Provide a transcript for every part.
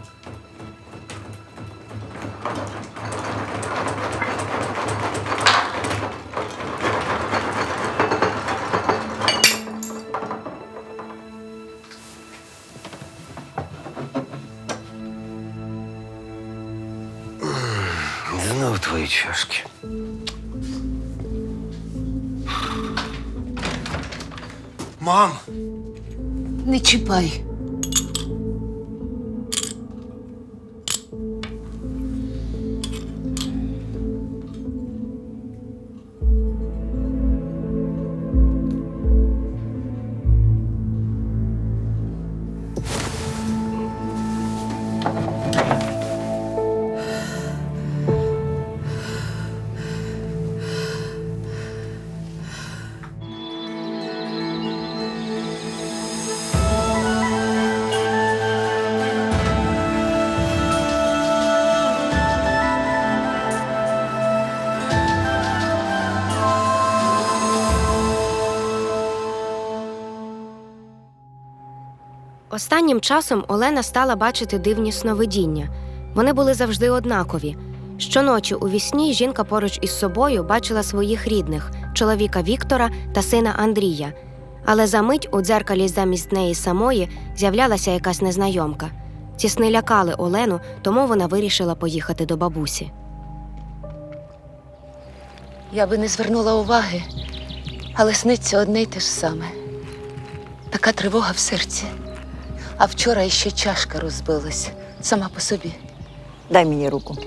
Знову твої чашки. Мам! Не чіпай. Останнім часом Олена стала бачити дивні сновидіння. Вони були завжди однакові. Щоночі у вісні жінка поруч із собою бачила своїх рідних – чоловіка Віктора та сина Андрія. Але за мить у дзеркалі замість неї самої з'являлася якась незнайомка. Ці сни лякали Олену, тому вона вирішила поїхати до бабусі. Я би не звернула уваги, але сниться одне й те ж саме. Така тривога в серці. А вчора іще чашка розбилась сама по собі. Дай мені руку.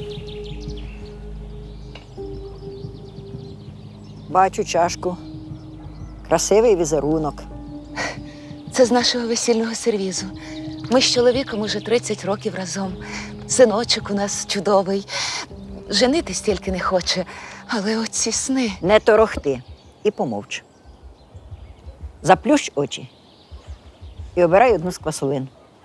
Бачу чашку. Красивий візерунок. Це з нашого весільного сервізу. Ми з чоловіком уже 30 років разом. Синочок у нас чудовий. Женитись тільки не хоче. Але оці сни... Не торохти і помовч. Заплющ очі і обирай одну з квасолин.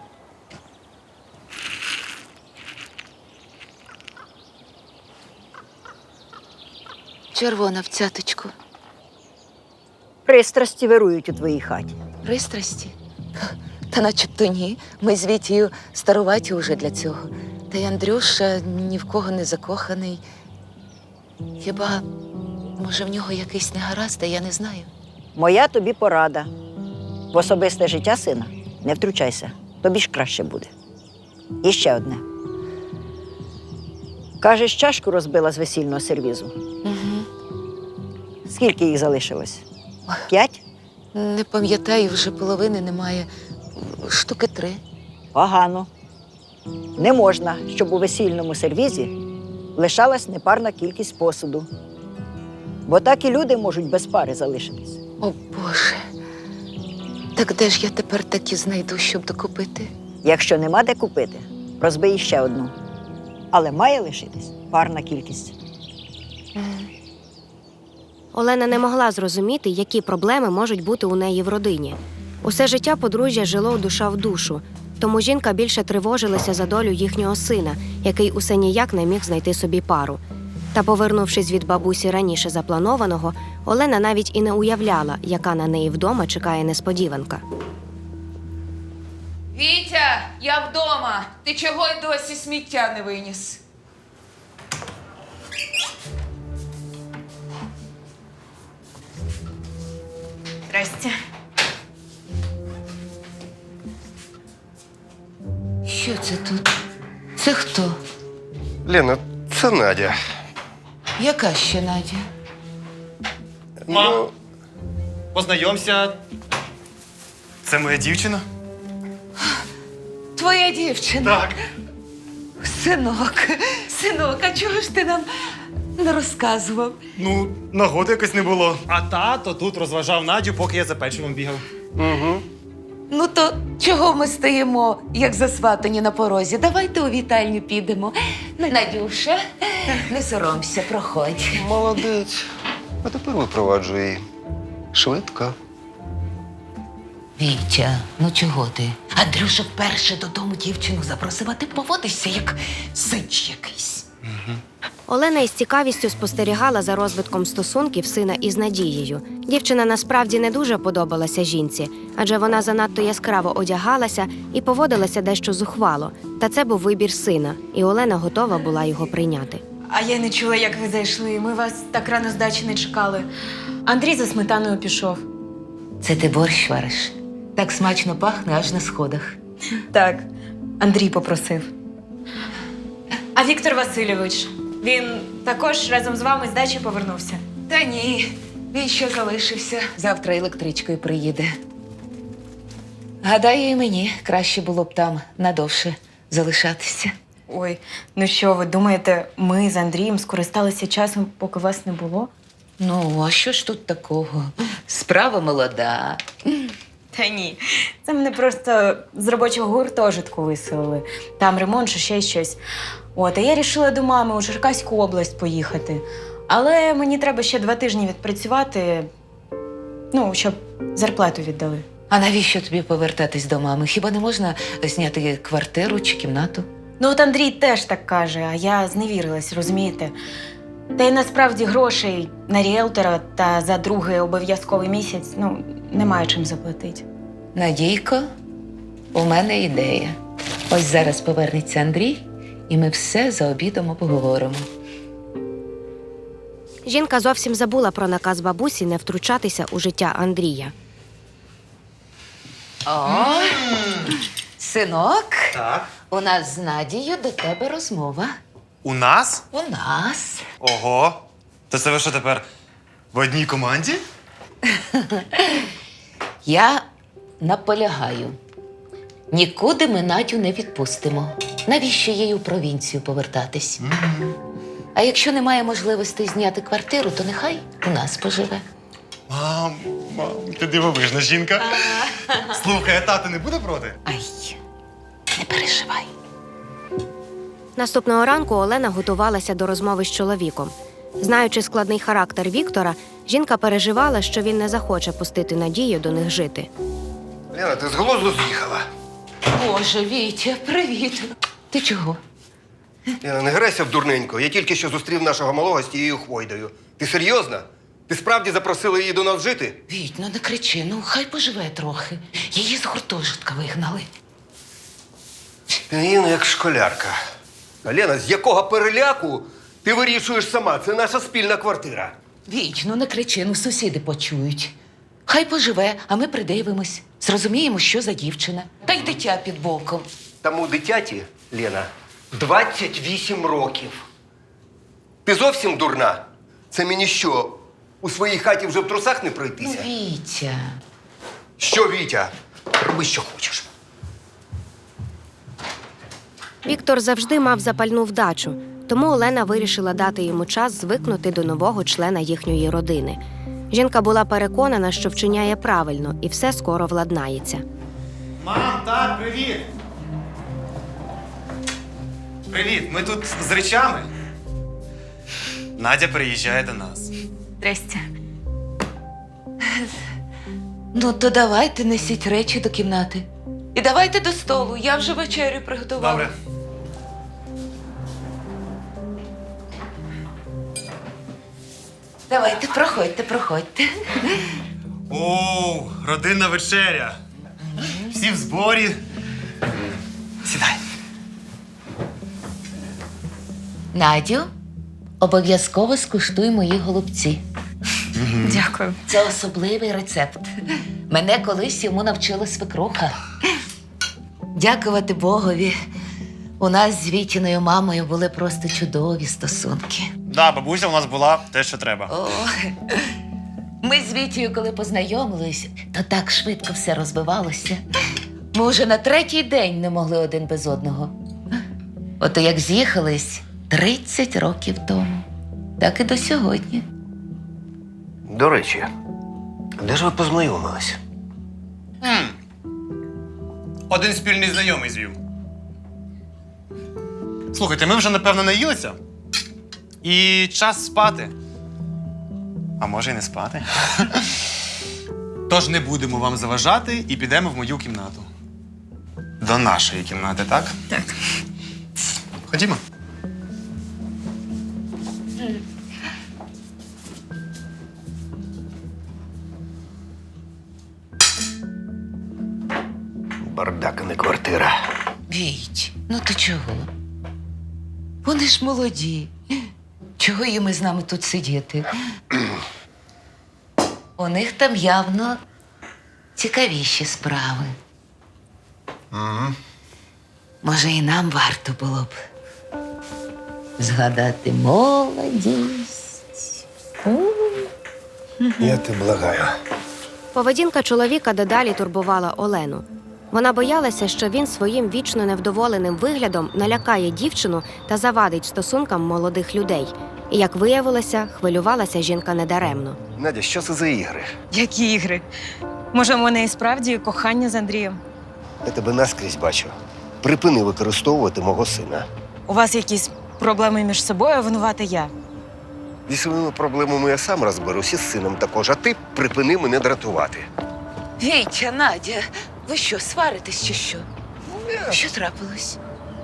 Червона в цяточку. Пристрасті вирують у твоїй хаті. Пристрасті? Та начебто ні. Ми з Вітєю старуваті уже для цього. Та й Андрюша ні в кого не закоханий. Хіба, може, в нього якийсь негаразд, а я не знаю. Моя тобі порада. В особисте життя сина не втручайся. Тобі ж краще буде. І ще одне. Кажеш, чашку розбила з весільного сервізу. Угу. Скільки їх залишилось? 5? Не пам'ятаю, вже половини немає. Штуки 3. Погано. Не можна, щоб у весільному сервізі лишалась непарна кількість посуду. Бо так і люди можуть без пари залишитись. О, Боже. Так де ж я тепер такі знайду, щоб докупити? Якщо нема де купити, розбий ще одну. Але має лишитись парна кількість. Олена не могла зрозуміти, які проблеми можуть бути у неї в родині. Усе життя подружжя жило душа в душу, тому жінка більше тривожилася за долю їхнього сина, який усе ніяк не міг знайти собі пару. Та, повернувшись від бабусі раніше запланованого, Олена навіть і не уявляла, яка на неї вдома чекає несподіванка. Вітя, я вдома. Ти чого й досі сміття не виніс? Здрасте. Що це тут? Це хто? Лена, це Надя. Яка ще Надя? Мам, познайомся. Це моя дівчина? Твоя дівчина. Так. Синок, а чого ж ти нам не розказував? Ну, нагоди якось не було. А тато тут розважав Надю, поки я за печивом бігав. Угу. Ну то чого ми стоїмо, як засватані на порозі? Давайте у вітальню підемо. Надюша, не соромся, проходь. Молодець. А тепер випроваджуй її. Швидко. Вітя, ну чого ти? Андрюша вперше додому дівчину запросив, а ти поводишся як сич якийсь. Угу. Олена із цікавістю спостерігала за розвитком стосунків сина із Надією. Дівчина насправді не дуже подобалася жінці, адже вона занадто яскраво одягалася і поводилася дещо зухвало. Та це був вибір сина, і Олена готова була його прийняти. А я не чула, як ви зайшли. Ми вас так рано з дачі не чекали. Андрій за сметаною пішов. Це ти борщ вариш? Так смачно пахне аж на сходах. Так, Андрій попросив. А Віктор Васильович, він також разом з вами з дачі повернувся. Та ні, він ще залишився. Завтра електричкою приїде. Гадаю, і мені краще було б там надовше залишатися. Ой, ну що ви думаєте, ми з Андрієм скористалися часом, поки вас не було? Ну, а що ж тут такого? Справа молода. Та ні, це мене просто з робочого гуртожитку виселили. Там ремонт, чи ще щось. От, а я рішила до мами у Черкаську область поїхати. Але мені треба ще 2 тижні відпрацювати, ну, щоб зарплату віддали. А навіщо тобі повертатись до мами? Хіба не можна зняти квартиру чи кімнату? Ну, от Андрій теж так каже, а я зневірилась, розумієте? Та й насправді грошей на ріелтора та за другий обов'язковий місяць, ну, немає чим заплатити. Надійко, у мене ідея. Ось зараз повернеться Андрій, і ми все за обідом обговоримо. Жінка зовсім забула про наказ бабусі не втручатися у життя Андрія. О, синок, Так. у нас з Надією до тебе розмова. У нас? У нас. Ого. То це ви що тепер в одній команді? Я наполягаю. Нікуди ми Надю не відпустимо. Навіщо їй у провінцію повертатись? А якщо немає можливості зняти квартиру, то нехай у нас поживе. Мам, ти дивовижна жінка. Слухай, а тато не буде проти? Ай, не переживай. Наступного ранку Олена готувалася до розмови з чоловіком. Знаючи складний характер Віктора, жінка переживала, що він не захоче пустити Надію до них жити. Лена, ти з глузду з'їхала. Боже, Вітя, привіт. Ти чого? Лена, не грайся в дурненько. Я тільки що зустрів нашого малого з тією хвойдою. Ти серйозно? Ти справді запросила її до нас жити? Віть, ну не кричи, ну хай поживе трохи. Її з гуртожитка вигнали. Ти як школярка. А Лена, з якого переляку ти вирішуєш сама? Це наша спільна квартира. Віть, ну не кричи, ну сусіди почують. Хай поживе, а ми придивимось. Зрозуміємо, що за дівчина. Та й дитя під боком. Тому дитяті, Лена, 28 років. Ти зовсім дурна? Це мені що, у своїй хаті вже в трусах не Ну, пройтися? Вітя. Що, Вітя? Роби, що хочеш. Віктор завжди мав запальну вдачу, тому Олена вирішила дати йому час звикнути до нового члена їхньої родини. Жінка була переконана, що вчиняє правильно, і все скоро владнається. Мам, так, привіт. Привіт, ми тут з речами. Надя переїжджає до нас. Здрасте. Ну, то давайте несіть речі до кімнати. І давайте до столу, я вже вечерю приготувала. Добре. Давайте, проходьте, проходьте. Оу, родинна вечеря. Всі в зборі. Сідай. Надю, обов'язково скуштуй мої голубці. Дякую. Це особливий рецепт. Мене колись йому навчила свекруха. Дякувати Богові. У нас з Вітіною мамою були просто чудові стосунки. Да, бабуся у нас була те, що треба. О, ми з Вітією, коли познайомились, то так швидко все розвивалося. Ми вже на 3-й день не могли один без одного. Ото як з'їхались 30 років тому, так і до сьогодні. До речі, де ж ви познайомились? Один спільний знайомий звів. Слухайте, ми вже, напевно, наїлися. І час спати. А може й не спати. Тож не будемо вам заважати і підемо в мою кімнату. До нашої кімнати, так? Так. Ходімо. бардак, а не квартира. Віть, ну ти чого? Вони ж молоді. Чого їм із нами тут сидіти? У них там явно цікавіші справи. Може, і нам варто було б згадати молодість. Я тебе благаю. Поведінка чоловіка дедалі турбувала Олену. Вона боялася, що він своїм вічно невдоволеним виглядом налякає дівчину та завадить стосункам молодих людей. І, як виявилося, хвилювалася жінка недаремно. Надя, що це за ігри? Які ігри? Може, в мене і справді кохання з Андрієм? Я тебе наскрізь бачу. Припини використовувати мого сина. У вас якісь проблеми між собою, а винувати я? Зі своїми проблемами я сам розберусь і з сином також, а ти припини мене дратувати. Вітя, Надя, ви що, сваритесь чи що? Що трапилось?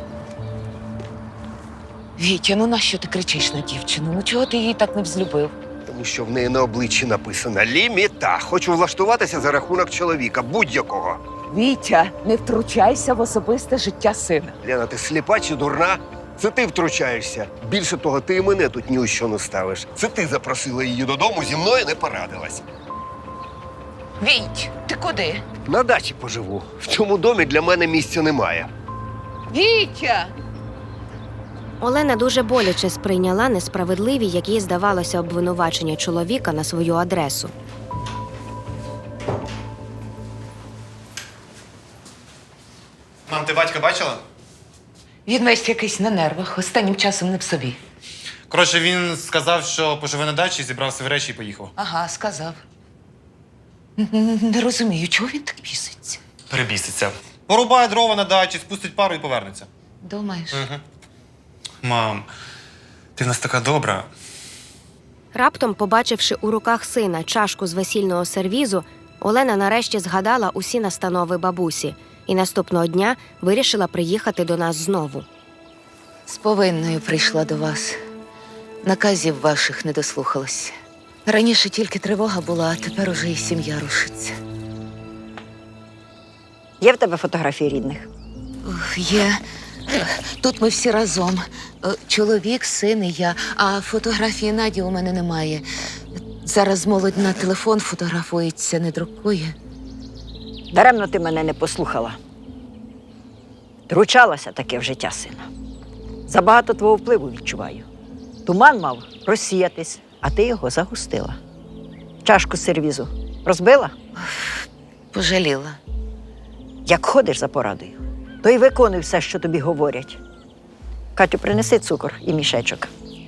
Вітя, ну нащо ти кричиш на дівчину? Ну чого ти її так не взлюбив? Тому що в неї на обличчі написано «Ліміта». Хочу влаштуватися за рахунок чоловіка, будь-якого. Вітя, не втручайся в особисте життя сина. Лена, ти сліпа чи дурна? Це ти втручаєшся. Більше того, ти і мене тут ні у що не ставиш. Це ти запросила її додому, зі мною не порадилась. Віть, ти куди? На дачі поживу. В цьому домі для мене місця немає. Вітя! Олена дуже боляче сприйняла несправедливі, як їй здавалося, обвинувачення чоловіка на свою адресу. Мам, ти батька бачила? Він весь якийсь на нервах, останнім часом не в собі. Коротше, він сказав, що поживе на дачі, зібрав свої речі і поїхав. Ага, сказав. Не розумію, чого він так біситься. Перебіситься. Порубає дрова на дачі, спустить пару і повернеться. Думаєш? Мам, ти в нас така добра. Раптом, побачивши у руках сина чашку з весільного сервізу, Олена нарешті згадала усі настанови бабусі і наступного дня вирішила приїхати до нас знову. З повинною прийшла до вас. Наказів ваших не дослухалась. Раніше тільки тривога була, а тепер уже і сім'я рушиться. Є в тебе фотографії рідних? Є. Тут ми всі разом. Чоловік, син і я. А фотографії Наді у мене немає. Зараз молодь на телефон фотографується, не друкує. Даремно ти мене не послухала. Втручалася таке в життя сина. Забагато твого впливу відчуваю. Туман мав розсіятись, а ти його загустила. Чашку з сервізу розбила? Пожаліла. Як ходиш за порадою, то й виконуй все, що тобі говорять. Катю, принеси цукор і мішечок.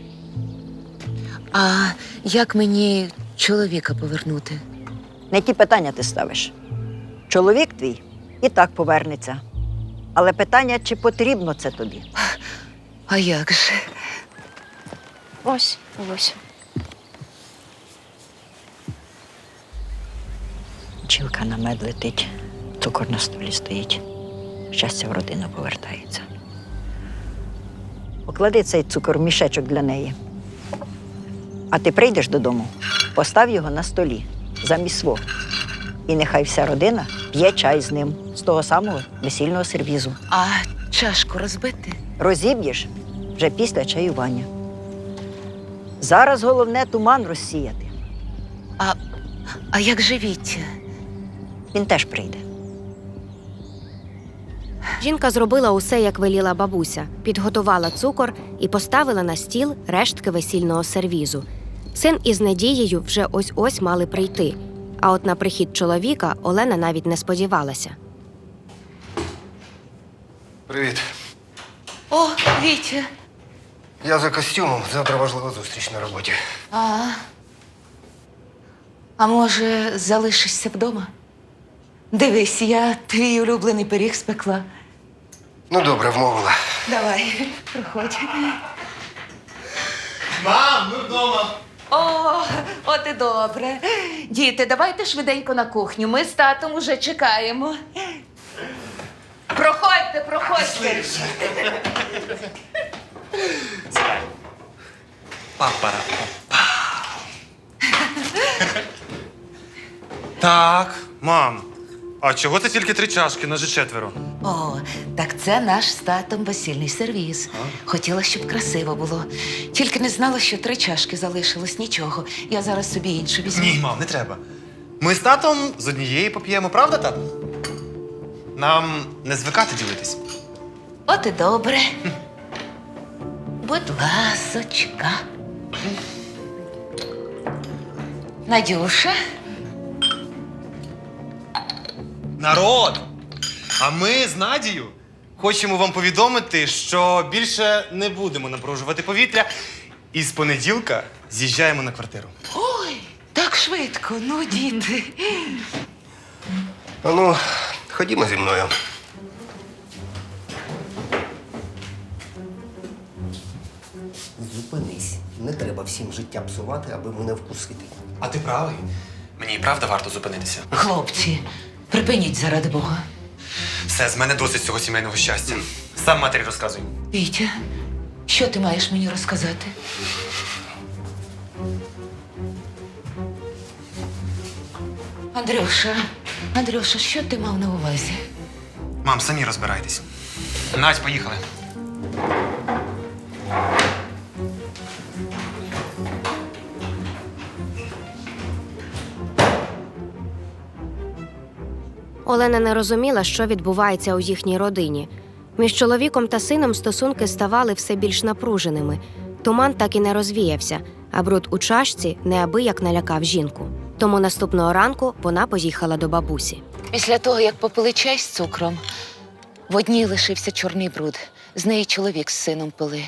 А як мені чоловіка повернути? Не ті питання ти ставиш. Чоловік твій і так повернеться. Але питання, чи потрібно це тобі? А як же? Ось. Бджілка на мед летить, цукор на столі стоїть. Щастя в родину повертається. Поклади цей цукор в мішечок для неї. А ти прийдеш додому, постав його на столі, замість свого. І нехай вся родина п'є чай з ним, з того самого весільного сервізу. А чашку розбити? Розіб'єш вже після чаювання. Зараз головне туман розсіяти. А як же Вітя? Він теж прийде. Жінка зробила усе, як веліла бабуся, підготувала цукор і поставила на стіл рештки весільного сервізу. Син із Надією вже ось-ось мали прийти, а от на прихід чоловіка Олена навіть не сподівалася. Привіт. О, Вітя. Я за костюмом. Завтра важлива зустріч на роботі. А може, залишишся вдома? Дивись, я твій улюблений пиріг спекла. Ну, добре, вмовила. Давай, проходь. Мам, ми вдома. От і добре. Діти, давайте швиденько на кухню. Ми з татом уже чекаємо. Проходьте, проходьте. Папара. Так, мам, А чого це тільки 3 чашки, нас же 4? О, так це наш з татом весільний сервіз. Хотіла, щоб красиво було. Тільки не знала, що 3 чашки залишилось. Нічого. Я зараз собі іншу візьму. Ні, мам, не треба. Ми з татом з однієї поп'ємо, правда, тато? Нам не звикати ділитись. От і добре. Будь ласочка. Надюша. Народ! А ми з Надією хочемо вам повідомити, що більше не будемо напружувати повітря і з понеділка з'їжджаємо на квартиру. Ой, так швидко. Ну, діти. А ну, ходімо зі мною. Зупинись. Не треба всім життя псувати, аби мене вкусити. А ти правий. Мені і правда варто зупинитися. Хлопці, припиніть заради Бога. Все, з мене досить цього сімейного щастя. Сам матері розказуй. Вітя, що ти маєш мені розказати? Андрюша, що ти мав на увазі? Мам, самі розбирайтесь. Надь, поїхали. Олена не розуміла, що відбувається у їхній родині. Між чоловіком та сином стосунки ставали все більш напруженими. Туман так і не розвіявся, а бруд у чашці неабияк налякав жінку. Тому наступного ранку вона поїхала до бабусі. Після того, як попили чай з цукром, в одній лишився чорний бруд. З неї чоловік з сином пили.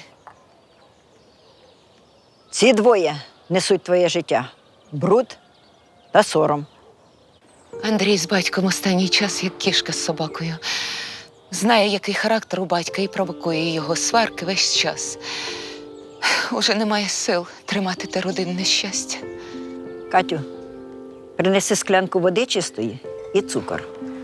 Ці двоє несуть твоє життя. Бруд та сором. Андрій з батьком останній час як кішка з собакою. Знає, який характер у батька, і провокує його сварки весь час. Уже немає сил тримати те родинне щастя. Катю, принеси склянку води чистої і цукор.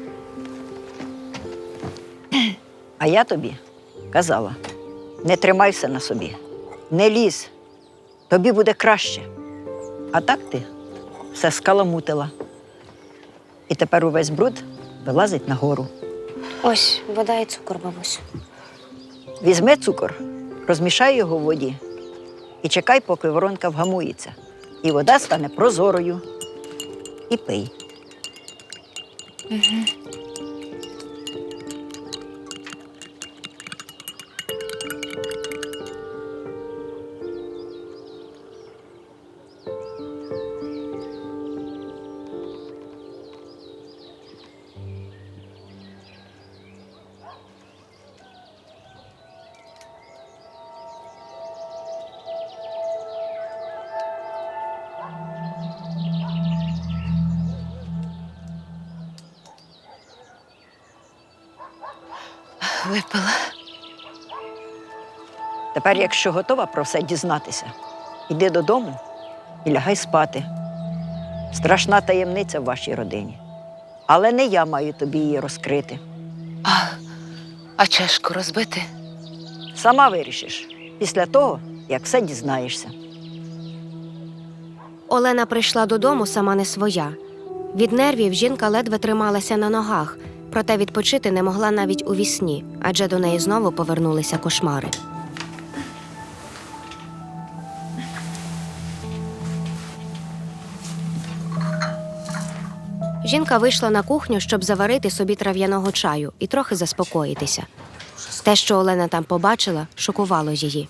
А я тобі казала, не тримай все на собі, не лізь, тобі буде краще. А так ти все скаламутила. І тепер увесь бруд вилазить нагору. Ось, вода і цукор, бабусь. Візьми цукор, розмішай його в воді і чекай, поки воронка вгамується. І вода стане прозорою. І пий. Випила. Тепер, якщо готова про все дізнатися, іди додому і лягай спати. Страшна таємниця в вашій родині. Але не я маю тобі її розкрити. А чашку розбити? Сама вирішиш після того, як все дізнаєшся. Олена прийшла додому сама не своя. Від нервів жінка ледве трималася на ногах, проте відпочити не могла навіть у вісні, адже до неї знову повернулися кошмари. Жінка вийшла на кухню, щоб заварити собі трав'яного чаю і трохи заспокоїтися. Те, що Олена там побачила, шокувало її.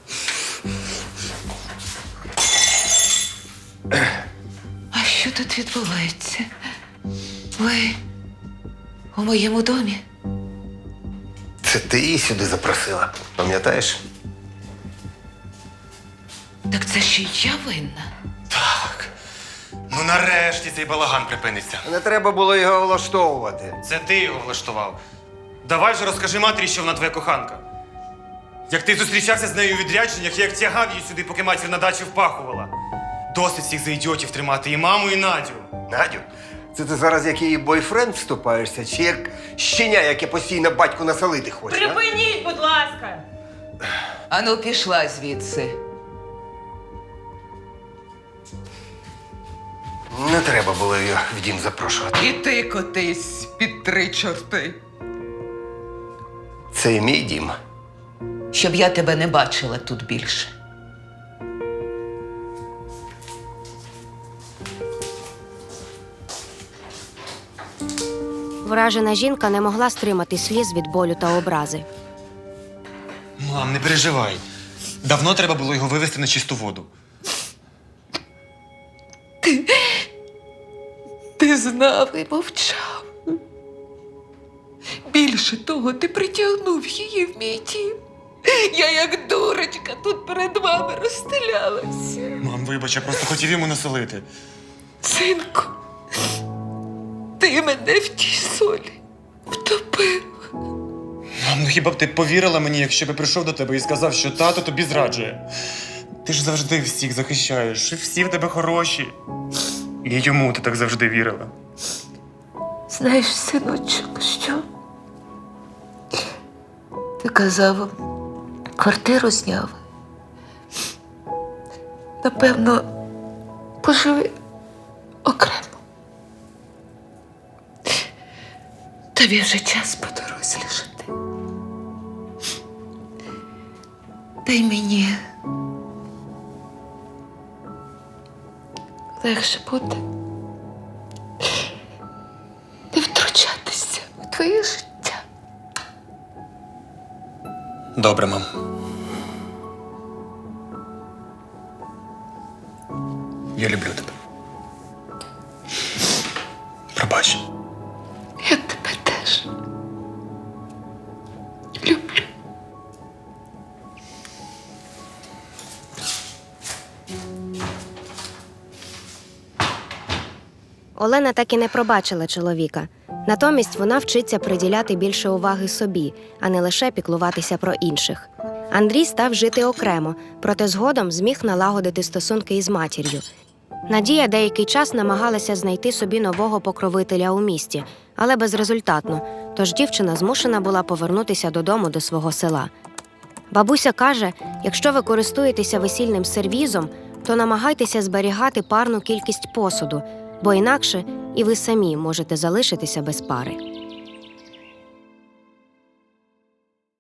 А що тут відбувається? Ви у моєму домі? Це ти її сюди запросила, пам'ятаєш? Так це ще й я винна. Так. Ну нарешті цей балаган припиниться. Не треба було його влаштовувати. Це ти його влаштував. Давай же розкажи матері, що вона твоя коханка. Як ти зустрічався з нею у відрядженнях, як тягав її сюди, поки матір на дачі впахувала. Досить всіх за ідіотів тримати і маму, і Надю. Надю, це ти зараз як її бойфренд вступаєшся, чи як щеня, яке постійно батьку насолити хоче? а? Припиніть, будь ласка! Ану, пішла звідси. Не треба було її в дім запрошувати. І ти котись під 3 чорти. Це і мій дім. Щоб я тебе не бачила тут більше. Вражена жінка не могла стримати сліз від болю та образи. Мам, не переживай. Давно треба було його вивести на чисту воду. Ти знав і мовчав. Більше того, ти притягнув її в мій дім. Я як дурочка тут перед вами розстелялася. Мам, вибач, я просто хотів йому насолити. Синку, ти мене в тій солі втопив. Мам, ну хіба б ти повірила мені, якщо б я прийшов до тебе і сказав, що тато тобі зраджує? Ти ж завжди всіх захищаєш, і всі в тебе хороші. І йому ти так завжди вірила. Знаєш, синочок, що? Ти казав, квартиру зняв. Напевно, поживи окремо. Тобі вже час подорослішати. Дай мені легше буде не втручатися у твоє життя. Добре, мам. Я люблю тебе. Пробач. Я тебе теж люблю. Олена так і не пробачила чоловіка. Натомість вона вчиться приділяти більше уваги собі, а не лише піклуватися про інших. Андрій став жити окремо, проте згодом зміг налагодити стосунки із матір'ю. Надія деякий час намагалася знайти собі нового покровителя у місті, але безрезультатно, тож дівчина змушена була повернутися додому до свого села. Бабуся каже, якщо ви користуєтеся весільним сервізом, то намагайтеся зберігати парну кількість посуду, бо інакше і ви самі можете залишитися без пари.